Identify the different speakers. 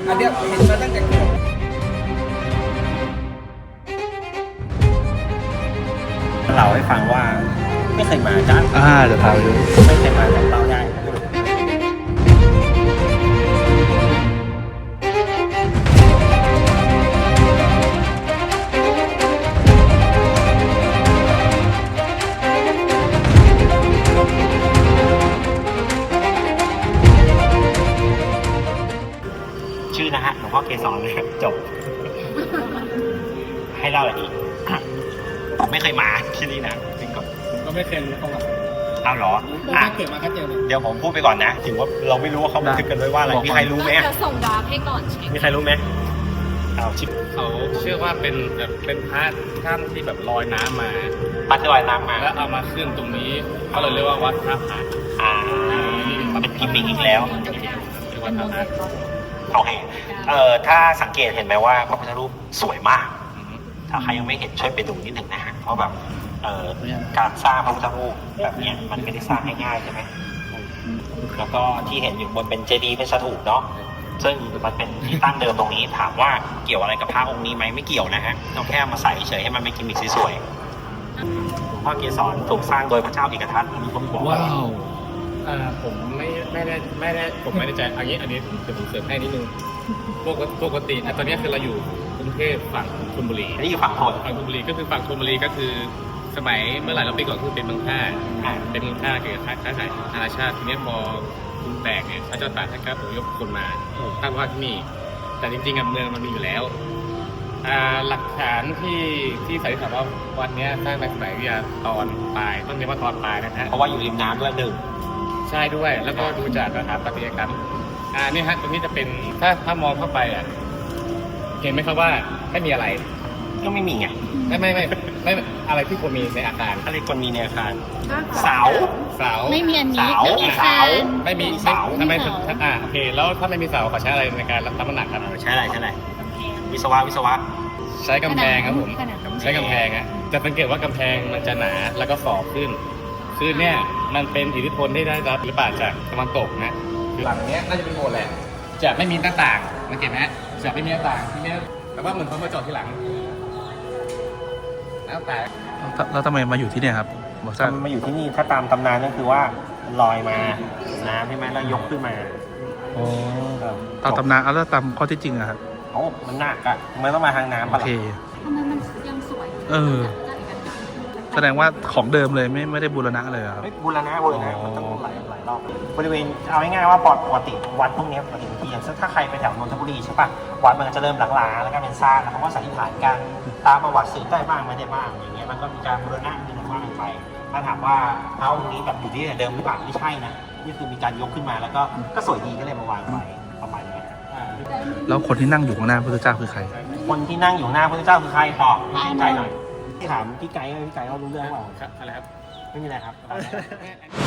Speaker 1: อันเนี้ยเห็นมาตั้งแต่เกิด
Speaker 2: เล่าให้ฟังว่าไม่เคยมาจ้า
Speaker 3: เดี๋ยวพาไปดู
Speaker 2: ไม่เคยมาแต่เล่าได้ชื่อนะฮะหลวงพ่อเกศรเลยจบให้เล่าอะไรอีกผมไม่เคยมาที่นี่นะจริงก่อน
Speaker 1: ก็ไม่เคยรู้ประวัติ
Speaker 2: เอาเหรอ
Speaker 1: เกิดมาก็เจอ
Speaker 2: เดี๋ยวผมพูดไปก่อนนะถึงว่าเราไม่รู้ว่าเขาบันทึกกันไว้ว่าอะไรมีใครรู้ไหม
Speaker 4: จะส่งดาร์กให้ก่อนเช็ค
Speaker 2: มีใครรู้ไหมเอาชิป
Speaker 5: เขาเชื่อว่าเป็นพระท่านที่แบบลอยน้ำมา
Speaker 2: พระที่ลอยน้ำมา
Speaker 5: แล้วเอามาขึ้นตรงนี้เขาเลยเรียกว่าวัดพระผา
Speaker 2: เป็นกิมมิคอีกแล้ว
Speaker 5: วัดพระผา
Speaker 2: โอเคถ้าสังเกตเห็นไหมว่าพระพุทธรูปสวยมากถ้าใครยังไม่เห็นช่วยไปดูนิดหนึ่งนะฮะเพราะแบบการสร้างพระพุทธรูปแบบนี้มันไม่ได้สร้างง่ายๆใช่ไหมแล้วก็ที่เห็นอยู่บนเป็นเจดีย์เป็นสถูปเนาะซึ่งมันเป็นที่ตั้งเดิมตรงนี้ถามว่าเกี่ยวอะไรกับพระองค์นี้ไหมไม่เกี่ยวนะฮะเราแค่มาใส่เฉยให้มันเป็นกิมมิคสวยๆหลวงพ่อเกศรถูกสร้างโดยพระเจ้าเอกทัตอันนี้ผมบอกว่า
Speaker 5: ผมไม่ได้ผมไม่ได้ใจอันนี้ผมเสริมให้นิดนึงปกติตอนนี้คือเราอยู่กรุงเทพฝั่งธนบุรี
Speaker 2: นี่อยู่ฝั่งธ
Speaker 5: นบุรีก็คือฝั่งธนบุรีก็คือสมัยเมื่อหลายปีก่อนคือเป็นเมืองท่าเป็นเมืองท่าเกี่ยวกับค้าขายนานาชาติทีนี้พอกรุงแตกเนี่ยพระเจ้าตากท่านก็อพยพคนมาตั้งว่าที่นี่แต่จริงๆเมืองมันมีอยู่แล้วหลักฐานที่สันนิษฐานว่าวันนี้สร้างในสมัยวิทยาตอนปลายต้องเรียกว่าตอนปลายนะฮะ
Speaker 2: เพราะว่าอยู่ริมน้ำด้วยหนึ่ง
Speaker 5: ใช่ด้วยแล้วก็ดูจากสถาปัตยกรรมนี่ฮะตรงนี้จะเป็นถ้ามองเข้าไปเห็นไหมครับว่าไม่มีอะไร
Speaker 2: ก็ไม่มีไง
Speaker 5: ไม่อะไรที่ควรมีในอาคาร
Speaker 2: อะไรควรมีในอาคารเสา
Speaker 4: ไม่มีอันนี้
Speaker 5: ไม่
Speaker 4: มี
Speaker 5: เสาไม่มีเสาทำไมโอเคแล้วถ้าไม่มีเสาขอใช้อะไรในการรับน้ำหนักครับ
Speaker 2: ใช้อะไรวิศวะ
Speaker 5: ใช้กำแพงครับผมใช้กำแพงจะสังเกตว่ากำแพงมันจะหนาแล้วก็ฝ่อขึ้นคือเนี่ยมันเป็นอิทธิพลที่ได้รับหรือเปล่าจากตะวันตกนะหลังนี้น่าจะเป็นโบสถ์แหละจะไม่มีหน้าต่างสังเกตไหมจะไม่มีหน้าต่างที่นี้แต่ว่าเหมือนเขามาจอดที่หลังหน้าต่าง
Speaker 3: แล้วทำไมมาอยู่ที่เนี่ยครับ
Speaker 2: มาอยู่ที่นี่ถ้าตามตำนานก็คือว่าลอยมาน้ำใช่ไหมแล้วยกขึ้นมา
Speaker 3: ตามตำนานแล้วตามข้อที่จริงอะครับ
Speaker 2: มันหนักอะมันต้องมาทางน้ำ
Speaker 3: โอเค
Speaker 4: ทำไมมันยังสวย
Speaker 3: แสดงว่าของเดิมเลยไม่ได้บูรณะเลยครับ
Speaker 2: บูรณะมันต้องหลายรอบบริเวณเอาง่ายๆว่าปกติวัดพวกนี้ปกติที่อย่างถ้าใครไปแถวนนทบุรีใช่ปะวัดมันจะเริ่มหลังๆแล้วก็เป็นซากแล้วเขาก็สันนิษฐานกันตามประวัติสืบได้บ้างไม่ได้บ้างอย่างเงี้ยมันก็มีการบูรณะมีอะไรไปถ้าถามว่าพระองค์นี้แบบอยู่ที่เดิมหรือเปล่าไม่ใช่นะนี่คือมีการยกขึ้นมาแล้วก็สวยดีก็เลยมาวางไว้ประมาณนี้
Speaker 3: แล้วคนที่นั่งอยู่ข้างหน้าพระพุทธเจ้าคือใคร
Speaker 2: คนที่นั่งอยู่หน้าพระพุทธเจ้าคือใครบอกให้ใจหน่อยที่ถามพี่ไก่เขารู้เรื่องเปล่า
Speaker 5: อะไรครับ
Speaker 2: ไม่มีอะไรครับ